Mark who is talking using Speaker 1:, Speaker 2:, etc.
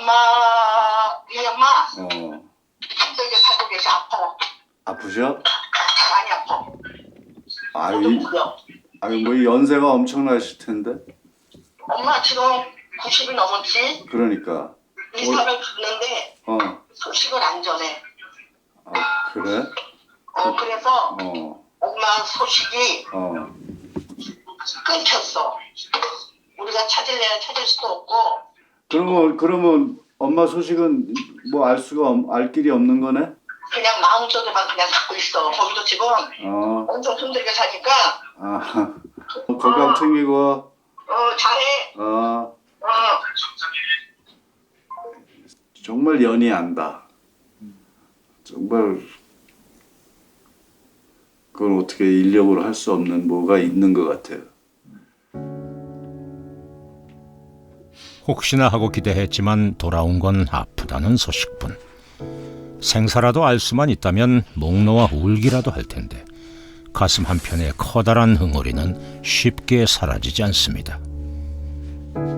Speaker 1: 우리 엄마
Speaker 2: 어.
Speaker 1: 힘들게 살고 계셔. 아파.
Speaker 2: 아프셔?
Speaker 1: 많이 아파.
Speaker 2: 아유,
Speaker 1: 모두 무려.
Speaker 2: 아유 뭐 연세가 엄청나실 텐데.
Speaker 1: 엄마 지금 90이 넘었지?
Speaker 2: 그러니까.
Speaker 1: 이사를 갔는데
Speaker 2: 어.
Speaker 1: 소식을 안 전해.
Speaker 2: 아, 그래?
Speaker 1: 그래서
Speaker 2: 어.
Speaker 1: 엄마 소식이
Speaker 2: 어.
Speaker 1: 끊겼어. 우리가 찾을래야 찾을 수도 없고.
Speaker 2: 그러면 엄마 소식은 뭐 알 길이 없는 거네?
Speaker 1: 그냥 마음속에만 그냥 갖고 있어. 거기도 지금
Speaker 2: 어.
Speaker 1: 엄청 힘들게 사니까.
Speaker 2: 아. 건강 챙기고.
Speaker 1: 잘해.
Speaker 2: 정말 연이 안다. 정말 그걸 어떻게 인력으로 할 수 없는 뭐가 있는 것 같아요.
Speaker 3: 혹시나 하고 기대했지만 돌아온 건 아프다는 소식뿐. 생사라도 알 수만 있다면 목 놓아 울기라도 할 텐데 가슴 한편의 커다란 흥얼이는 쉽게 사라지지 않습니다.